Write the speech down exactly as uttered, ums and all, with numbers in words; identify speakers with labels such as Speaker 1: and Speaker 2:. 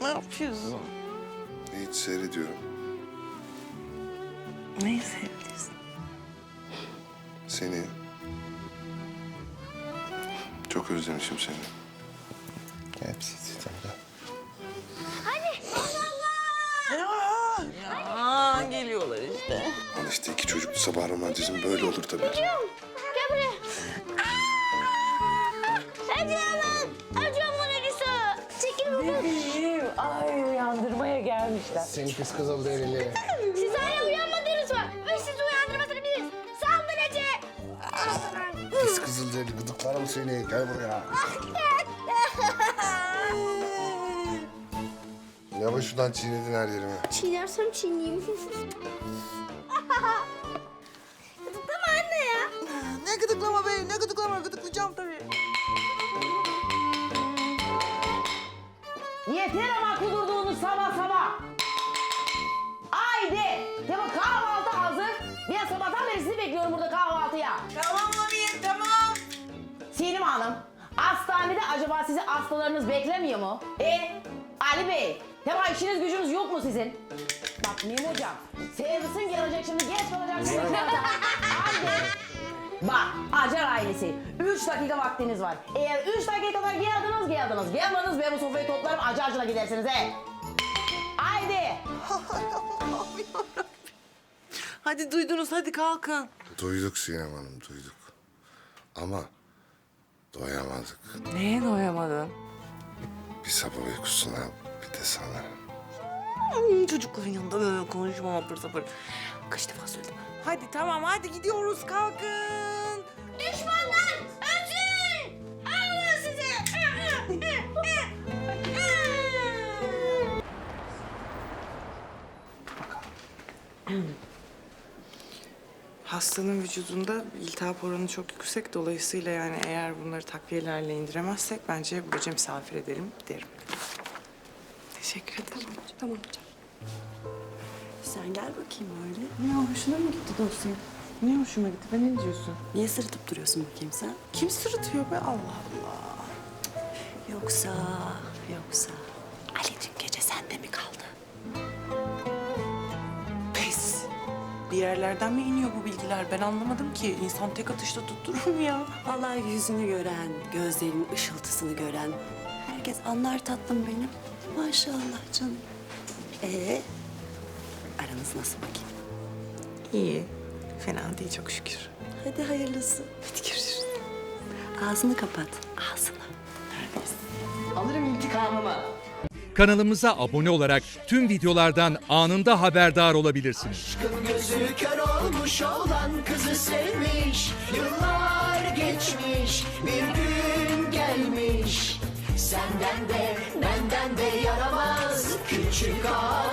Speaker 1: Ne yapıyorsun?
Speaker 2: Hiç seyrediyorum.
Speaker 1: Neyi seviyorsun?
Speaker 2: Seni. Çok özlemişim seni. Hepsi sizden.
Speaker 1: Ya geliyorlar işte.
Speaker 2: Al işte iki çocuklu sabah romantizm böyle olur tabii.
Speaker 3: Gel buraya. Acıyorum. Acıyorum Mona Lisa. Çekil buradan.
Speaker 4: Bebeğim, ay uyandırmaya gelmişler.
Speaker 5: Seni pis kızıl derili.
Speaker 3: Siz hala uyanmadınız mı? Biz sizi uyandırmasını biliriz. Saldırıcı.
Speaker 5: Pis kızıl derili gıdıklarım seni. Gel buraya.
Speaker 2: Yavaş şuradan çiğnedin her yerime.
Speaker 3: Çiğnersem çiğneyim. Gıdıklama anne ya.
Speaker 1: Ne gıdıklama be, ne gıdıklama, gıdıklayacağım tabii.
Speaker 4: Yeter ama kudurduğunuz sabah sabah. Haydi. Tamam kahvaltı hazır. Ben sabahtan beri sizi bekliyorum burada kahvaltıya.
Speaker 1: Tamam Mamiye, tamam.
Speaker 4: Selim Hanım, hastanede acaba sizi hastalarınız beklemiyor mu? E, Ali Bey, tamam işiniz gücünüz yok mu sizin? Bak Mim Hocam, servisin gelecek şimdi geç kalacaksınız. Haydi. Bak, Acar ailesi, üç dakika vaktiniz var. Eğer üç dakikada geldiniz, geldiniz. Gelmediniz, ben bu sofrayı toplarım, Acarcı'na gidersiniz he. Haydi.
Speaker 1: Hadi duydunuz, hadi kalkın.
Speaker 2: Duyduk Sinem Hanım, duyduk. Ama doyamadık.
Speaker 1: Neye doyamadın?
Speaker 2: Bir sabah uykusuna, bir de sana.
Speaker 1: Hmm, çocukların yanında böyle konuşmam apır sapır. Kaç defa söyledim. Hadi tamam, hadi gidiyoruz, kalkın.
Speaker 3: Düşmanlar ölsün. Allah sizi.
Speaker 6: Hastanın vücudunda iltihap oranı çok yüksek. Dolayısıyla yani eğer bunları takviyelerle indiremezsek bence bu gece misafir edelim derim. Teşekkür ederim.
Speaker 7: Tamam hocam. Sen gel bakayım öyle.
Speaker 6: Ya hoşuna mı gitti dosya? Niye hoşuma gitti? Ben ne diyorsun?
Speaker 7: Niye sırıtıp duruyorsun bakayım sen?
Speaker 6: Kim sırıtıyor be? Allah Allah.
Speaker 7: Yoksa, yoksa Ali dün gece sende mi kaldı?
Speaker 6: Pes. Bir yerlerden mi iniyor bu bilgiler? Ben anlamadım ki. İnsan tek atışta tutturur mu ya?
Speaker 7: Vallahi yüzünü gören, gözlerinin ışıltısını gören herkes anlar tatlım benim. Maşallah canım. Ee, aranız nasıl bakayım?
Speaker 6: İyi. Fena değil çok şükür.
Speaker 7: Hadi hayırlısı.
Speaker 6: Hadi görüşürüz.
Speaker 7: Ağzını kapat, ağzını.
Speaker 6: Neredesin?
Speaker 4: Alırım intikamımı.
Speaker 8: Kanalımıza abone olarak tüm videolardan anında haberdar olabilirsiniz.
Speaker 9: Aşkın gözü kör olmuş olan kızı sevmiş. Yıllar geçmiş, bir gün gelmiş. Senden de benden de yaramaz küçük ağa.